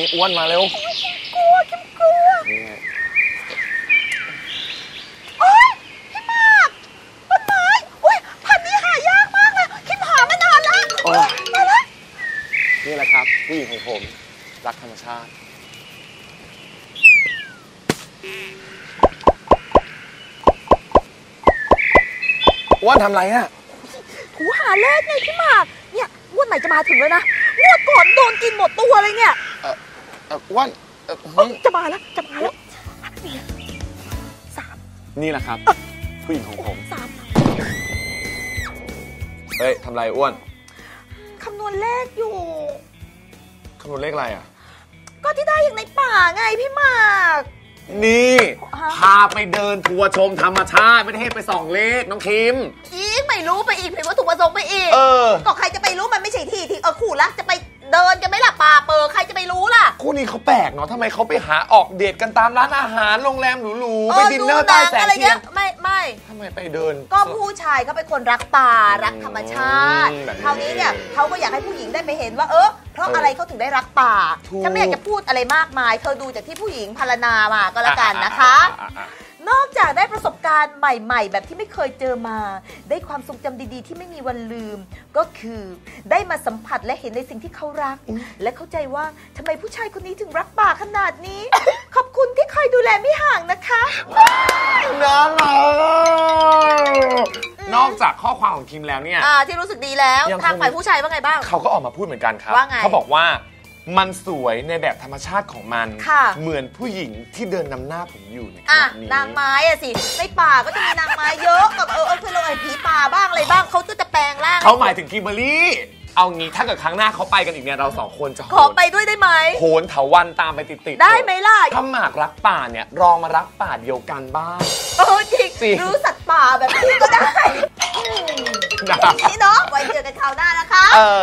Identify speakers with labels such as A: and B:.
A: อ้วนมาเร็ว
B: กลัวคิมกลัวโอ๊ยพี่มากต้นไม้อุ้ยพันธุ์นี้หายากมากเลยคิมหามานานแล้วมาแล้ว
A: นี่แหละครับผู้หญิงของผมรักธรรมชาติอ้วนทำไรอะ
B: ถูหาเลขไงพี่หมากเนี่ยงวดไหนจะมาถึงเลยนะงวดก่อนโดนกินหมดตัวเลยเนี่ย
A: อ้วน
B: จะมาแล้ว3
A: นี่แหละครับผู้หญิงของผม
B: 3
A: เฮ้ยทำไรอ้วน
B: คำนวณเลขอยู่
A: คำนวณเลขอะไรอ่ะ
B: ก็ที่ได้อย่างในป่าไงพี่หมาก
A: นี่พาไปเดินทัวร์ชมธรรมชาติไม่ได้ให้ไปส่องเลขน้องคิม
B: อีกไม่รู้ไปอีกผิดวัตถุประสงค์ไปอีกก็ใครจะไปรู้มันไม่ใช่ที่ขู่ละจะไปเดินกันไหมล่ะป่าเปิดใครจะไปรู้ล่ะ
A: คู่นี้เขาแปลกเนาะทำไมเขาไปหาออกเดทกันตามร้านอาหารโรงแรมหรูๆไปดินเนอร์ใต้แสงเทียน
B: ไม่
A: ทำไมไปเดิน
B: ก็ผู้ชายเขาเป็นคนรักป่ารักธรรมชาติคราวนี้เนี่ยเขาก็อยากให้ผู้หญิงได้ไปเห็นว่าเพราะอะไรเขาถึงได้รักป่าฉันไม่อยากจะพูดอะไรมากมายเธอดูจากที่ผู้หญิงพรรณนามาก็แล้วกันนะคะนอกจากได้ประสบการณ์ใหม่ๆแบบที่ไม่เคยเจอมาได้ความทรงจำดีๆที่ไม่มีวันลืมก็คือได้มาสัมผัสและเห็นในสิ่งที่เขารักและเข้าใจว่าทำไมผู้ชายคนนี้ถึงรักป่าขนาดนี้ ขอบคุณที่คอยดูแลไม่ห่างนะคะ
A: น่ารักนอกจากข้อความของคิมแล้วเนี่ย
B: ที่รู้สึกดีแล้วทางฝ่ายผู้ชายว่าไงบ้าง
A: เขาก็ออกมาพูดเหมือนกันครับเขาบอกว่ามันสวยในแบบธรรมชาติของมันเหมือนผู้หญิงที่เดินนำหน้าผมอยู่ในขณะนี้
B: นางไม้อะสิในป่าก็จะมีนางไม้เยอะกับคือเราไอ้ผีป่าบ้างอะไรบ้างเขาจะแปลงร่าง
A: เขาหมายถึงคิมเบอร์รี่เอางี้ถ้าเกิดครั้งหน้าเขาไปกันอีกเนี่ยเรา2คนจะ
B: ขอไปด้วยได้ไหม
A: โหนเถาวัลย์ตามไปติด
B: ๆได้ไหมล่ะ
A: ถ้าหมากรักป่าเนี่ยลองมารักป่าเดียวกันบ้าง
B: จริงรู้สัตว์ป่าแบบนี้ก็ได้นี่เนาะไว้เจอกันคราวหน้านะคะ